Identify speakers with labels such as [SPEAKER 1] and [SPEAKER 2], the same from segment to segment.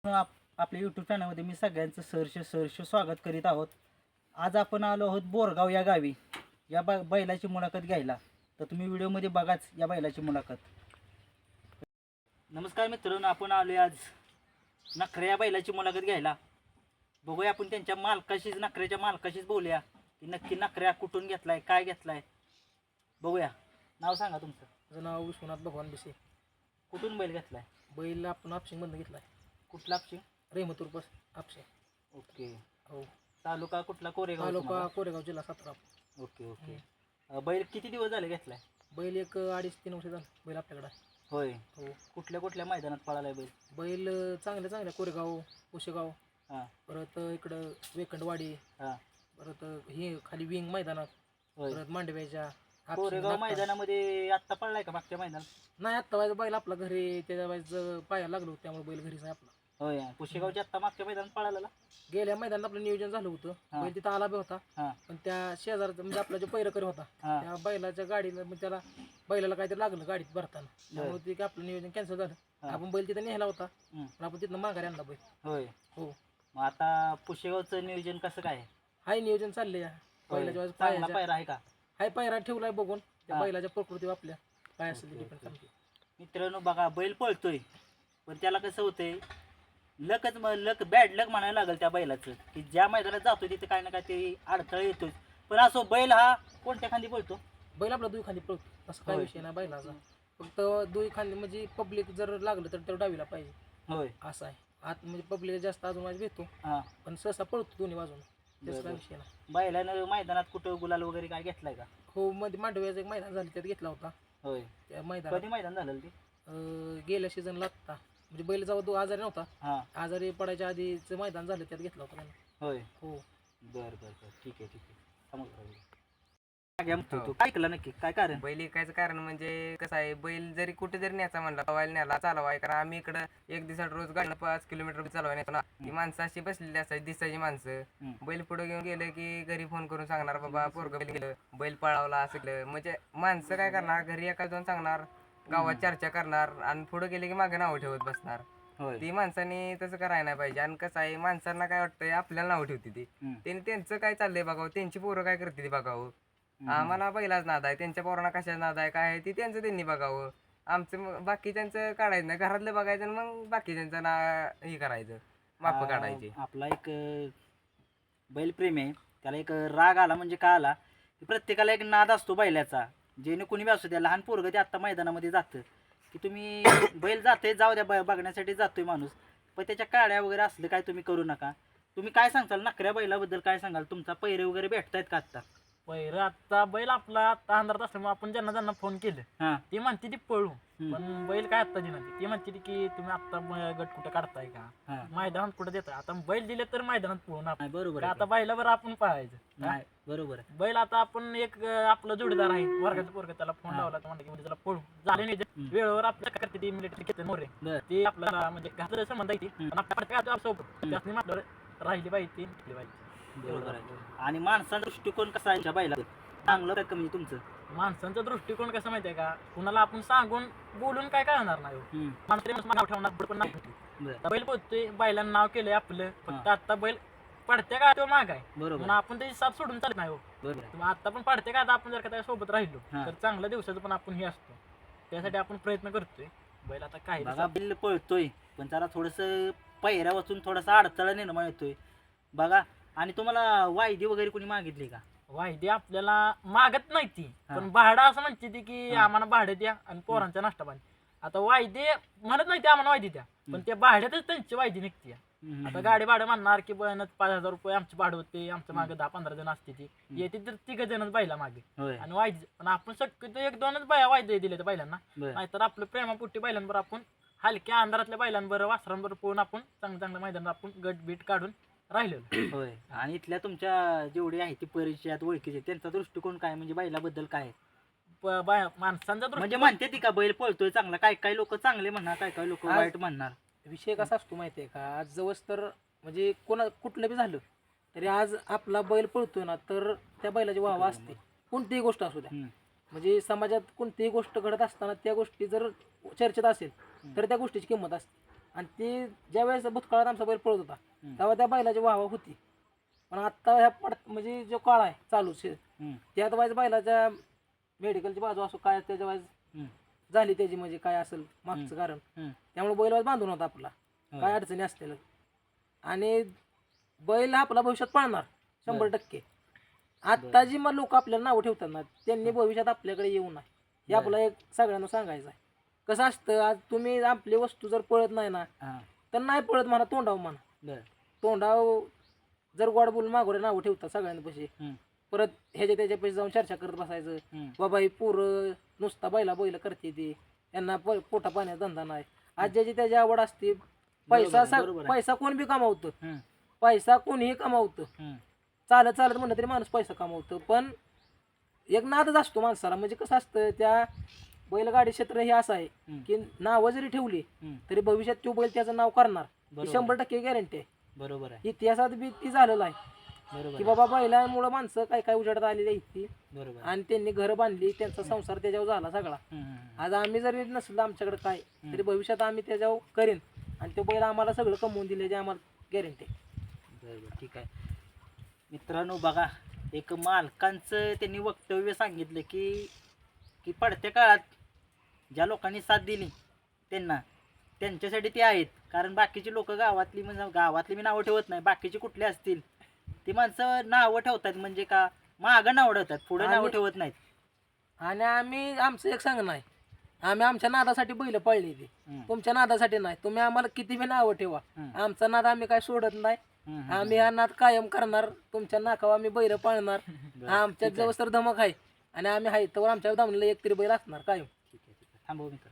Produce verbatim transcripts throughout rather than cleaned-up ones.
[SPEAKER 1] आप आपल्या यूट्यूब चॅनलमध्ये मी सगळ्यांचं सहर्ष सहर्ष स्वागत करीत आहोत. आज आपण आलो आहोत बोरगाव या गावी या ब बैलाची मुलाखत घ्यायला. तर तुम्ही व्हिडिओमध्ये बघाच या बैलाची मुलाखत. नमस्कार मित्रांनो, आपण आलो आज नखरे या बैलाची मुलाखत घ्यायला. बघूया आपण त्यांच्या मालकाशीच नखऱ्याच्या मालकाशीच बोलूया की नक्की नखऱ्या कुठून घेतलाय, काय घेतलाय. बघूया. नाव सांगा तुमचं.
[SPEAKER 2] माझं नाव विश्वनाथ भगवान बिसे.
[SPEAKER 1] कुठून बैल घेतलाय?
[SPEAKER 2] बैल आपण आपशिंगमधून घेतला आहे.
[SPEAKER 1] कुठला आपशी?
[SPEAKER 2] रेहमतूर बस आपशे.
[SPEAKER 1] ओके.
[SPEAKER 2] हो.
[SPEAKER 1] तालुका कुठला? कोरेगाव.
[SPEAKER 2] तालुका कोरेगाव, जिल्हा सातारा.
[SPEAKER 1] Okay okay. अ, बैल किती दिवस झाले घेतलाय?
[SPEAKER 2] बैल एक अडीच तीन वर्ष झालं बैल आपल्याकडे आहे.
[SPEAKER 1] होय.
[SPEAKER 2] हो.
[SPEAKER 1] कुठल्या कुठल्या मैदानात पळालाय बैल?
[SPEAKER 2] बैल चांगल्या चांगल्या कोरेगाव, उशेगाव,
[SPEAKER 1] हां
[SPEAKER 2] परत इकडं वेकंडवाडी,
[SPEAKER 1] हां.
[SPEAKER 2] परत ही खाली विंग मैदानात,
[SPEAKER 1] होय.
[SPEAKER 2] परत मांडव्याच्या आपशिंग,
[SPEAKER 1] कोरेगाव
[SPEAKER 2] नागटा.
[SPEAKER 1] मैदानामध्ये आत्ता पळलाय का मागच्या मैदानात?
[SPEAKER 2] नाही, आत्ता वाजता बैल आपला घरी त्याच्या वेळेस पायाला लागलो त्यामुळे बैल घरीच आहे आपला.
[SPEAKER 1] होय. पुशेगावच्या आत्ता मागच्या मैदानात पळाला?
[SPEAKER 2] गेल्या मैदानात आपलं नियोजन झालं होतं.
[SPEAKER 1] हां.
[SPEAKER 2] बैल तिथं आला बी होता,
[SPEAKER 1] हां
[SPEAKER 2] पण त्या शेजारचा म्हणजे आपला जो पैरकरी होता
[SPEAKER 1] हां.
[SPEAKER 2] त्या बैलाच्या गाडीला मग त्याला बैलाला काहीतरी लागलं गाडीत भरताना, त्यामुळे ते काय आपलं नियोजन कॅन्सल झालं.
[SPEAKER 1] हां.
[SPEAKER 2] आपण बैल तिथं नेला होता,
[SPEAKER 1] हं.
[SPEAKER 2] पण आपण तिथनं माघारी आणला बैल.
[SPEAKER 1] होय.
[SPEAKER 2] हो.
[SPEAKER 1] मग आता पुशेगावचं नियोजन कसं काय आहे?
[SPEAKER 2] हाय नियोजन चालले या
[SPEAKER 1] होय.
[SPEAKER 2] बैलाच्या वेळेस
[SPEAKER 1] चांगला
[SPEAKER 2] पायाच्या
[SPEAKER 1] पायरा आहे का?
[SPEAKER 2] हाय पायरा ठेवलाय बघून त्या
[SPEAKER 1] हां.
[SPEAKER 2] बैलाच्या प्रकृती आपल्या काय असेल ते
[SPEAKER 1] ओके,
[SPEAKER 2] डिपेंड
[SPEAKER 1] ओके.
[SPEAKER 2] करते.
[SPEAKER 1] मित्रांनो बघा, बैल पळतोय पण त्याला कसं होतंय, लकच मग लक बॅड लक म्हणायला लागेल त्या बैलाचं की ज्या मैदानात जातो तिथे काय ना काय ते अडथळा येतोच. पण असो, बैल हा कोणत्या खांदी पळतो?
[SPEAKER 2] बैल आपला दुई खांदी पळतो, असं काय
[SPEAKER 1] होय.
[SPEAKER 2] विषय नाही बैलाचा. फक्त दुई खांदी म्हणजे पब्लिक जर लागलं तर तो डावीला पाहिजे
[SPEAKER 1] होय.
[SPEAKER 2] असं आहे. आत म्हणजे पब्लिक जास्त अजून माझी भेटतो,
[SPEAKER 1] हां.
[SPEAKER 2] पण सहसा पळतो दोन्ही बाजून, त्याचा काय
[SPEAKER 1] बरोबर.
[SPEAKER 2] विषय नाही.
[SPEAKER 1] बैलानं मैदानात कुठं गुलाल वगैरे काय घेतलाय का?
[SPEAKER 2] हो, मध्ये मांडव्याचं एक मैदान झालं त्यात घेतला होता.
[SPEAKER 1] होय.
[SPEAKER 2] त्या मैदानात
[SPEAKER 1] कधी मैदान झालं ते?
[SPEAKER 2] अं, गेल्या सीझनला आत्ता म्हणजे बैल जेव्हा दो आजारी नव्हता,
[SPEAKER 1] हां.
[SPEAKER 2] आजारी पडायच्या आधीचं मैदान झालं त्यात घेतला होता त्यानं.
[SPEAKER 1] होय.
[SPEAKER 2] हो.
[SPEAKER 1] बर बर बर ठीक आहे ठीक आहे. समजलं. काय घ्या म्हणतो तू? काय केलं नक्की? काय कारण?
[SPEAKER 3] बैल विकायचं कारण म्हणजे कसं आहे, बैल जरी कुठे जरी न्यायचा म्हणला पवायला न्यायला चालवाय, कारण आम्ही इकडं एक दिवसात रोज गाडीनं पाच किलोमीटर चालवाय नेतो ना. ती माणसं अशी बसलेली असायची दिसायची माणसं.
[SPEAKER 1] हं.
[SPEAKER 3] बैल पुढे घेऊन गेलं की घरी फोन करून सांगणार, बाबा पोरगं बैल गेलं, बैल पळावला असं केलं. म्हणजे माणसं काय करणार, घरी एका दोन सांगणार, गावात चर्चा करणार आणि पुढे गेले की मागे नाव ठेवत बसणार.
[SPEAKER 1] होय.
[SPEAKER 3] ती माणसाने तसं करायला नाही पाहिजे. आणि कसं आहे, माणसांना काय वाटतंय आपल्याला नाव ठेवते ती,
[SPEAKER 1] हं.
[SPEAKER 3] त्यांनी त्यांचं काय चाललंय बघावं, त्यांची पोरं काय करते ती बघावं.
[SPEAKER 1] हं.
[SPEAKER 3] आम्हाला पहिलाच नाद आहे, त्यांच्या पोरांना कशाच नाद आहे काय आहे ती त्यांचं त्यांनी बघावं. आमचं मग बाकीच्यांचं काढायचं नाही, घरातलं बघायचं आणि मग बाकीच्यांचं ना हे करायचं, माप
[SPEAKER 1] आ,
[SPEAKER 3] काढायचे.
[SPEAKER 1] आपला एक अ, बैलप्रेमी आहे, त्याला एक राग आला म्हणजे काय आला की प्रत्येकाला एक नाद असतो बैलाचा. जेणे कुणी बी असू द्या, लहान पोरगं ते आत्ता मैदानामध्ये जातं की तुम्ही बैल जाते जाऊ द्या, ब बघण्यासाठी जातोय माणूस, पण त्याच्या काड्या वगैरे असलं काय तुम्ही करू नका. तुम्ही काय सांगताल नखऱ्या बैलाबद्दल, काय सांगाल? तुमचा पैरे वगैरे भेटतायत का आत्ता?
[SPEAKER 2] पहिलं आता बैल आपला आता अंधारात असल्यामुळे आपण ज्यांना ज्यांना फोन केले
[SPEAKER 1] हां.
[SPEAKER 2] ती म्हणते ती पळू,
[SPEAKER 1] हं.
[SPEAKER 2] पण बैल काय आता दिना ती म्हणते ती की तुम्ही आता म- गट कुठं काढताय का,
[SPEAKER 1] हां.
[SPEAKER 2] मैदानात कुठं देताय. आता बैल दिले तर मैदानात पळून आपण
[SPEAKER 1] नाही, बरोबर
[SPEAKER 2] का
[SPEAKER 1] आहे
[SPEAKER 2] आता
[SPEAKER 1] की.
[SPEAKER 2] बैलावर आपण पळायचं का?
[SPEAKER 1] नाही, बरोबर आहे.
[SPEAKER 2] बैल आता आपण एक अं, आपलं जोडीदार आहे वर्गाचं पोरग, त्याला फोन
[SPEAKER 1] हां.
[SPEAKER 2] लावला तर म्हणलं की म्हणजे त्याला पळू झाले नाही
[SPEAKER 1] हं.
[SPEAKER 2] वेळेवर आपल्या काय करते ती मिलिटरी घेते मोरे
[SPEAKER 1] बरं.
[SPEAKER 2] ती आपल्याला म्हणजे घातलं संबंध आहे ती,
[SPEAKER 1] हं.
[SPEAKER 2] पण आपल्या पडत्या गावात सोबत
[SPEAKER 1] हं.
[SPEAKER 2] त्यातनी म्हटलं राहिली पाहिजे ती टिकली पाहिजे.
[SPEAKER 1] बरोबर आहे. आणि माणसाचा दृष्टिकोन कसा आहे त्या बैला? चांगलं काय कमी तुमचं?
[SPEAKER 2] माणसांचा दृष्टिकोन कसं माहितीये का, कुणाला आपण सांगून बोलून काय कळणार नाही हो.
[SPEAKER 1] हं.
[SPEAKER 2] माणसं नाव ठेवणार पण नाही.
[SPEAKER 1] बरं.
[SPEAKER 2] आता बैल पोहतोय, बैलांना नाव केलंय आपलं, फक्त
[SPEAKER 1] हां.
[SPEAKER 2] आता बैल पडत्या का तो माग आहे
[SPEAKER 1] बरोबर
[SPEAKER 2] म्हणून आपण त्याची साथ सोडून चालत नाही हो.
[SPEAKER 1] बरोबर आहे.
[SPEAKER 2] तुम्ही आता पण पडते का, आता आपण जर का त्या सोबत राहिलो
[SPEAKER 1] हां.
[SPEAKER 2] तर चांगल्या दिवसाचं पण आपण हे असतो, त्यासाठी आपण प्रयत्न करतोय. बैल आता काय
[SPEAKER 1] बघा, बैल पळतोय पण त्याला थोडंसं पहिऱ्या वाचून थोडासा अडथळा निर्माण येतोय बघा. आणि तुम्हाला वायदी वगैरे कोणी मागितली का?
[SPEAKER 2] वायदे आपल्याला मागत नाही ती,
[SPEAKER 1] हां.
[SPEAKER 2] पण भाडं असं म्हणते ती की
[SPEAKER 1] हां.
[SPEAKER 2] आम्हाला भाडं द्या आणि पोरांचा नाश्ता पाणी. आता वायदे म्हणत नाही ते आम्हाला वायदी द्या, पण त्या भाड्यातच त्यांची वायदी निघते.
[SPEAKER 1] हं.
[SPEAKER 2] आता गाडी भाडं म्हणणार की बन पाच हजार रुपये आमचे भाडं होते, आमच्या मागे दहा पंधरा जण असते ती येते तर तिघ जणच बायला मागे
[SPEAKER 1] होय.
[SPEAKER 2] आणि वायदे. पण आपण शक्यतो एक दोनच बाया वायदे दिले त्या बैलांना,
[SPEAKER 1] बरं.
[SPEAKER 2] नाहीतर आपलं प्रेमापुट्टी बैलांवर आपण हलक्या अंधारातल्या बैलांबरोबर वासरांबरोबर पोहून आपण चांगल्या चांगल्या मैदानात आपण गट बीट काढून राहिलेलो.
[SPEAKER 1] होय. आणि इथल्या तुमच्या जेवढे आहे ती परिचयात ओळखीचे, त्यांचा दृष्टिकोन काय म्हणजे बैलाबद्दल काय आहे?
[SPEAKER 2] प- बाया- माणसांचा
[SPEAKER 1] म्हणजे
[SPEAKER 2] दृष्टिकोन
[SPEAKER 1] म्हणते ती का बैल पळतोय चांगला? काय काय लोक चांगले म्हणणार, काय काय लोक
[SPEAKER 2] आज-
[SPEAKER 1] वाईट म्हणणार.
[SPEAKER 2] विषय कसा असतो माहितीये का, आज जवळ तर म्हणजे कोणा कुठलं बी झालं तरी आज आपला बैल पळतोय ना तर त्या बैलाची वाहवा असते, कोणतीही गोष्ट असू द्या.
[SPEAKER 1] हं.
[SPEAKER 2] म्हणजे समाजात कोणतीही गोष्ट घडत असताना त्या गोष्टी जर चर्चेत असेल तर त्या गोष्टीची किंमत असते. आणि ते ज्या वेळेस भूतकाळात आमचा बैल पळत होता
[SPEAKER 1] हम्म.
[SPEAKER 2] तेव्हा त्या बैलाची वाहवा होती. पण आत्ता ह्या पड म्हणजे जो काळ आहे चालू शे
[SPEAKER 1] हम्म,
[SPEAKER 2] त्यात वाईज बैलाच्या मेडिकलची बाजू असो काय त्याच्या वाईज
[SPEAKER 1] हम्म,
[SPEAKER 2] झाली त्याची म्हणजे काय असेल मागचं कारण
[SPEAKER 1] हम्म.
[SPEAKER 2] त्यामुळे बैल वाईज बांधून होता आपला
[SPEAKER 1] होय.
[SPEAKER 2] काय अडचणी असतील आणि बैल आपला भविष्यात पाळणार शंभर टक्के. आत्ता जी मग लोक आपल्याला नावं ठेवतात ना त्यांनी भविष्यात आपल्याकडे येऊ नये हे
[SPEAKER 1] बरं.
[SPEAKER 2] आपलं एक सगळ्यांना सांगायचं आहे. कसं असतं आज तुम्ही आपली वस्तू जर पळत नाही ना
[SPEAKER 1] हा,
[SPEAKER 2] तर नाही पळत म्हणा तोंडाव म्हणा
[SPEAKER 1] बरं.
[SPEAKER 2] तोंडाव जर गोड बोलून मागोरे नावं ठेवतात सगळ्यांपाशी
[SPEAKER 1] हम्म,
[SPEAKER 2] परत ह्याच्या त्याच्या पैसे जाऊन चर्चा करत बसायचं
[SPEAKER 1] हम्म.
[SPEAKER 2] बाबा ही पोरं नुसता बैला बैल करते ती यांना प पोटा पाण्याचा धंदा नाही. आज ज्याची त्याची आवड असते पैसा
[SPEAKER 1] आहे,
[SPEAKER 2] सा-
[SPEAKER 1] बरोबर आहे.
[SPEAKER 2] पैसा कोण बी कमावतं
[SPEAKER 1] हम्म,
[SPEAKER 2] पैसा कोणीही कमावतं
[SPEAKER 1] हम्म.
[SPEAKER 2] चालत चालत म्हणलं तरी माणूस पैसा कमावतो पण एक नादच असतो माणसाला. म्हणजे कसं असतं त्या बैलगाडी क्षेत्र हे असं आहे
[SPEAKER 1] हम्म.
[SPEAKER 2] की नावं जरी ठेवली
[SPEAKER 1] हम्म.
[SPEAKER 2] तरी भविष्यात तो बैल त्याचं नाव करणार ही
[SPEAKER 1] बरोबर
[SPEAKER 2] शंभर टक्के गॅरंटी आहे.
[SPEAKER 1] बरोबर आहे,
[SPEAKER 2] इतिहासात बी ती झालेलं आहे
[SPEAKER 1] बरोबर
[SPEAKER 2] की
[SPEAKER 1] आहे,
[SPEAKER 2] बाबा बैलांमुळं माणसं काय काय उजाडत आलेली आहेत ती
[SPEAKER 1] बरोबर आहे.
[SPEAKER 2] आणि त्यांनी घरं बांधली त्यांचा संसार त्याच्यावर झाला सगळा.
[SPEAKER 1] हम्म, हम्म, हम्म.
[SPEAKER 2] आज आम्ही जरी नसलं आमच्याकडे काय तरी भविष्यात आम्ही त्याच्यावर करेन आणि तो बैल आम्हाला सगळं कमवून दिल्याची आम्हाला गॅरंटी आहे.
[SPEAKER 1] बरं बरं ठीक आहे. मित्रांनो बघा एक मालकांचं त्यांनी वक्तव्य सांगितलं की की पडत्या काळात ज्या लोकांनी साथ दिली त्यांना त्यांच्यासाठी ते आहेत. कारण बाकीची लोक गावातली म्हणजे गावातली मी नावं ठेवत नाही बाकीची कुठली असतील ती माणसं नावं ठेवतात म्हणजे का मागं नावं ठेवतात पुढे नावं
[SPEAKER 2] आणि-
[SPEAKER 1] ठेवत नाहीत.
[SPEAKER 2] आणि आम्ही आमचं एक सांगणं आहे आम्ही आमच्या नादासाठी बैल पाळली ती
[SPEAKER 1] हम्म,
[SPEAKER 2] तुमच्या नादासाठी नाही. तुम्ही आम्हाला किती बी नावं ठेवा
[SPEAKER 1] हम्म,
[SPEAKER 2] आमचा नाद आम्ही काय सोडत नाही.
[SPEAKER 1] हम्म, हम्म.
[SPEAKER 2] आम्ही हा नाद कायम करणार तुमच्या नाकावर आम्ही बैल पाळणार.
[SPEAKER 1] बरं,
[SPEAKER 2] आमच्या
[SPEAKER 1] ठीक आहे,
[SPEAKER 2] जवळ तर धमक आहे आणि आम्ही आहे तर आमच्या दामणीला एक तरी बैल असणार कायम.
[SPEAKER 1] ठीक आहे ठीक आहे थांबव मित्र.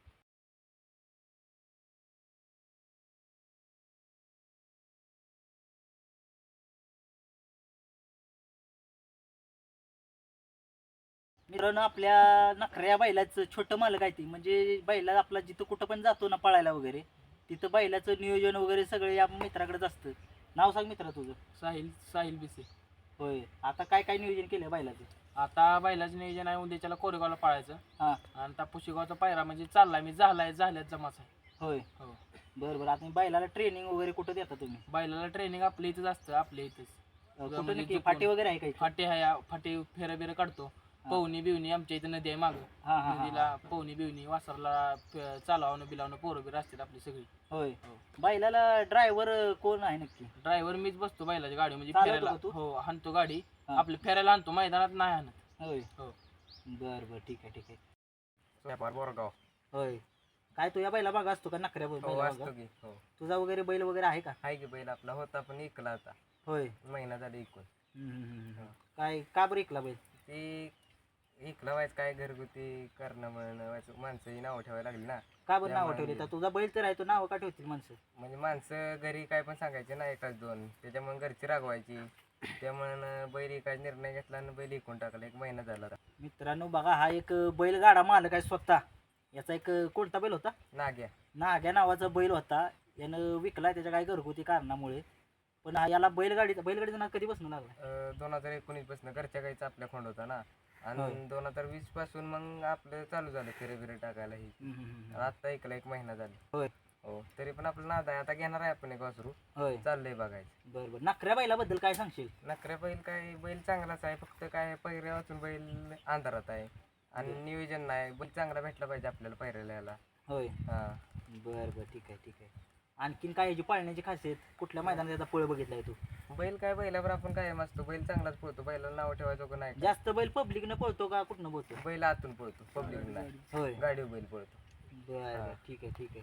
[SPEAKER 1] मित्रांनो आपल्या नखऱ्या बैलाचं छोटं मालक आहे ती म्हणजे बैला आपला जिथं कुठं पण जातो ना पळायला वगैरे तिथं बैलाचं नियोजन वगैरे सगळं या मित्राकडेच असतं. नाव सांग मित्रा तुझं.
[SPEAKER 4] साहिल साहिल बिसे.
[SPEAKER 1] होय आता काय काय नियोजन केलं बैलाचं.
[SPEAKER 4] आता बैलाचं नियोजन आहे उद्याच्याला कोरेगावला पाळायचं
[SPEAKER 1] हां
[SPEAKER 4] आणि त्या पुशेगावचा पायरा म्हणजे चाललाय मी झालाय झाल्यात जमाच आहे.
[SPEAKER 1] होय
[SPEAKER 4] हो
[SPEAKER 1] बरं बरं आता बैलाला ट्रेनिंग वगैरे कुठं देता तुम्ही.
[SPEAKER 4] बैलाला ट्रेनिंग आपल्या इथंच असतं आपल्या इथंच.
[SPEAKER 1] अं,
[SPEAKER 4] म्हणजे
[SPEAKER 1] कुठं नक्की
[SPEAKER 4] चुकून.
[SPEAKER 1] फाटी वगैरे आहे काही.
[SPEAKER 4] फाटे आहे फाटे फेऱ्या बिऱ्या काढतो. पवनी बिवणी आमच्या इथं नदी आहे मागं
[SPEAKER 1] हां हां हां
[SPEAKER 4] नदीला पवनी बिवणी वासरला फ- चालवणं बिलावणं पोरं बिरं असतात आपली सगळी.
[SPEAKER 1] होय
[SPEAKER 4] हो.
[SPEAKER 1] बैलाला ड्रायव्हर कोण आहे नक्की.
[SPEAKER 4] ड्रायव्हर मीच बसतो बैलाची गाडी म्हणजे
[SPEAKER 1] चालवतो
[SPEAKER 4] फेऱ्याला
[SPEAKER 1] का तू?
[SPEAKER 4] हो हाणतो गाडी
[SPEAKER 1] हां.
[SPEAKER 4] आपल्या फेऱ्याला आणतो मैदानात नाही आणत.
[SPEAKER 1] होय
[SPEAKER 4] हो.
[SPEAKER 1] बरं बरं ठीक आहे ठीक आहे.
[SPEAKER 3] व्यापार बोरगाव
[SPEAKER 1] होय काय तू या बैला भाग असतो का नखऱ्या बैला
[SPEAKER 3] हो
[SPEAKER 1] भागा?
[SPEAKER 3] असतो की हो
[SPEAKER 1] तुझा वगैरे बैल वगैरे आहे का.
[SPEAKER 3] हाय की बैल आपला होता पण इकला आता
[SPEAKER 1] होय
[SPEAKER 3] महिना झाला इकून.
[SPEAKER 1] हम्म, हम्म, हम्म, हम्म. काय का बरं ऐकला बैल.
[SPEAKER 3] ते इकला व्हायचं काय घरगुती करणं म्हणणं व्हायचं माणसंही नावं ठेवायला लागली ना.
[SPEAKER 1] का बरं नाव
[SPEAKER 3] त्यामुळे
[SPEAKER 1] ठेवली तर तुझा बैल तर आहे तो नाव का ठेवतील माणसं.
[SPEAKER 3] म्हणजे माणसं घरी काय पण सांगायचे ना एकाच दोन त्याच्यामुळे घरची रागवायची त्यामुळे बैल एकाच निर्णय घेतला आणि बैल इकून टाकला एक महिना झाला आता.
[SPEAKER 1] मित्रांनो बघा हा एक बैलगाडा मालक आहे स्वतः. याचा एक कोणता बैल होता.
[SPEAKER 3] नाग्या
[SPEAKER 1] नाग्या नावाचा बैल होता यानं विकला त्याच्या काही घरगुती कारणामुळे. पण हा याला बैलगाडीचा बैलगाडीचं नाव कधीपासून लागला.
[SPEAKER 3] अं, दोन हजार एकोणीस पासून घरच्या गाईचा आपल्या खोंड होता ना
[SPEAKER 1] होय.
[SPEAKER 3] आणि दोन हजार वीस पासून मग आपलं चालू झालं फेरे बिरे टाकायला ही
[SPEAKER 1] हम्म, हम्म, हम्म.
[SPEAKER 3] आणि आता ऐकला एक महिना झाला.
[SPEAKER 1] होय
[SPEAKER 3] हो तरी पण आपलं नाद आहे आता घेणार आहे आपण एक वासरू
[SPEAKER 1] होय
[SPEAKER 3] चाललंय बघायचं.
[SPEAKER 1] बरं बरं नखऱ्या बैलाबद्दल काय सांगशील.
[SPEAKER 3] नखऱ्या बैल काय बैल चांगलाच आहे फक्त काय पैऱ्या वाचून बैल अंधारात आहे आणि नियोजन नाही बैल चांगला भेटला पाहिजे आपल्याला पैऱ्याला याला.
[SPEAKER 1] होय
[SPEAKER 3] हा
[SPEAKER 1] बरं बरं ठीक आहे ठीक आहे. आणखीन काय याची पाळण्याची खासियत कुठल्या मैदानात याचा पळ बघितलाय तू.
[SPEAKER 3] बैल काय बैलावर आपण काय असतो बैल चांगलाच पळतो बैलाला नाव ठेवायचं का नाही.
[SPEAKER 1] जास्त बैल पब्लिकनं पळतो का कुठनं पळतो.
[SPEAKER 3] बैल आतून पळतो पब्लिक नाही
[SPEAKER 1] होय
[SPEAKER 3] गाडीवर बैल पळतो.
[SPEAKER 1] बरं बरं ठीक आहे ठीक आहे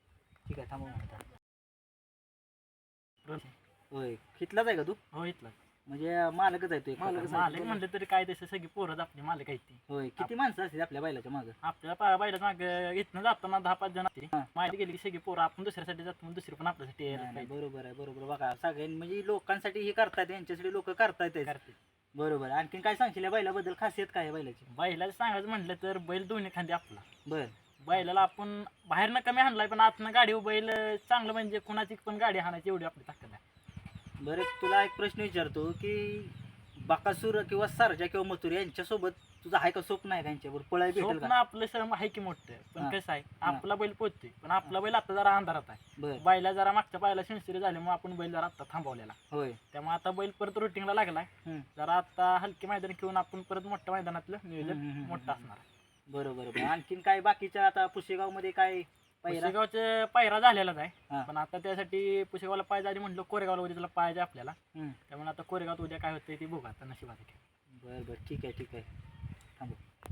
[SPEAKER 1] ठीक आहे थांबव म्हणता. होय कितलाच आहे का तू.
[SPEAKER 4] हो इथला
[SPEAKER 1] म्हणजे मालकच आहे तू एक
[SPEAKER 2] मालकच
[SPEAKER 1] प्रकारचा.
[SPEAKER 2] आहे.
[SPEAKER 4] मालक म्हणलं तरी काय तसं सगळी पोरं आपली मालक आहेत ती.
[SPEAKER 1] होय किती माणसं असतील आपल्या बैलाच्या मागं.
[SPEAKER 4] आपल्याला पा बैलाच माग इथनं जाताना दहा पाच जण असते
[SPEAKER 1] हां.
[SPEAKER 4] माहिती गेली की सगळी पोरं आपण दुसऱ्यासाठी जातो मग दुसरी पण आपल्यासाठी यायला
[SPEAKER 1] नाही, नाही,
[SPEAKER 4] पाहिजे.
[SPEAKER 1] बरोबर आहे बरोबर बघा सगळ्यांनी म्हणजे लोकांसाठी हे करतायत यांच्यासाठी लोक करतायत
[SPEAKER 4] करते.
[SPEAKER 1] बरोबर. आणखीन काय सांगशील या बैलाबद्दल खासियत काय आहे बैलाची.
[SPEAKER 4] बैलाचं सांगायचं म्हटलं तर बैल दोन्ही खांदी आपला.
[SPEAKER 1] बर
[SPEAKER 4] बैलाला आपण बाहेरनं कमी हाणलाय पण आतनं गाडी बैल चांगलं म्हणजे कोणाची पण गाडी हाणायची एवढी आपली ताकद आहे.
[SPEAKER 1] बरं तुला एक प्रश्न विचारतो की बकासूर किंवा सरजा किंवा मथुर यांच्यासोबत तुझं आहे का स्वप्न आहे त्यांच्यावर पळाय भेटेल
[SPEAKER 4] स्वप्न
[SPEAKER 1] का?
[SPEAKER 4] आपलं सर आहे की मोठं
[SPEAKER 1] हा.
[SPEAKER 4] पण कसं आहे
[SPEAKER 1] हा.
[SPEAKER 4] आपला बैल पोहोचतोय पण आपला बैल आता जरा अंधारात आहे
[SPEAKER 1] बर
[SPEAKER 4] बैला जरा मागच्या पायाला सेन्सरी झाल्यामुळे आपण बैल जरा आता थांबवलेला
[SPEAKER 1] होय.
[SPEAKER 4] त्यामुळे आता बैल परत रुटीनला लागलाय
[SPEAKER 1] हम्म.
[SPEAKER 4] जरा आता हलके मैदान घेऊन आपण परत मोठ्या मैदानातलं
[SPEAKER 1] हम्म,
[SPEAKER 4] नियोजन
[SPEAKER 1] हम्म, हम्म,
[SPEAKER 4] मोठं
[SPEAKER 1] हम्म.
[SPEAKER 4] असणार आहे
[SPEAKER 1] बरोबर बरोबर. आणखीन काय बाकीच्या आता पुशेगाव मध्ये काय पहिला?
[SPEAKER 4] पुसेगावचे पायरा झालेलाच
[SPEAKER 1] हा.
[SPEAKER 4] आहे पण आता त्यासाठी पुसेगावला पाहिजे आधी म्हटलं कोरेगावला उद्या त्याला पाहिजे आपल्याला
[SPEAKER 1] हम्म.
[SPEAKER 4] त्यामुळे आता कोरेगावात उद्या काय होतंय ते बघू आता नशिबात आहे.
[SPEAKER 1] बर बर ठीक आहे ठीक आहे थांबू.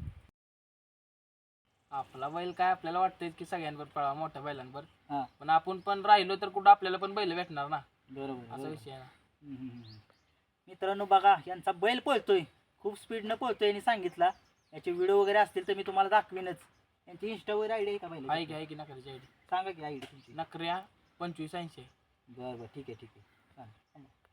[SPEAKER 2] आपला बैल काय आपल्याला वाटतंय की सगळ्यांवर पळावा मोठ्या बैलांवर
[SPEAKER 1] हा
[SPEAKER 2] पण आपण पण राहिलो तर कुठं आपल्याला पण बैल भेटणार ना
[SPEAKER 1] बरोबर
[SPEAKER 2] असा
[SPEAKER 1] बरोबर.
[SPEAKER 2] विषय आहे ना.
[SPEAKER 1] हम्म, हम्म, हम्म. मित्रांनो बघा यांचा बैल पळतोय खूप स्पीडनं पळतोय यांनी सांगितला. याचे व्हिडिओ वगैरे असतील तर मी तुम्हाला दाखवीनच. यांची इंस्टा वगैरे आयडी आहे का
[SPEAKER 2] आहे
[SPEAKER 1] बैल?
[SPEAKER 2] की आहे की नकऱ्याची आयडी
[SPEAKER 1] सांगा की आयडी तुमची.
[SPEAKER 2] नकऱ्या पंचवीस ऐंशी
[SPEAKER 1] बरं बरं ठीक आहे ठीक आहे चालेल.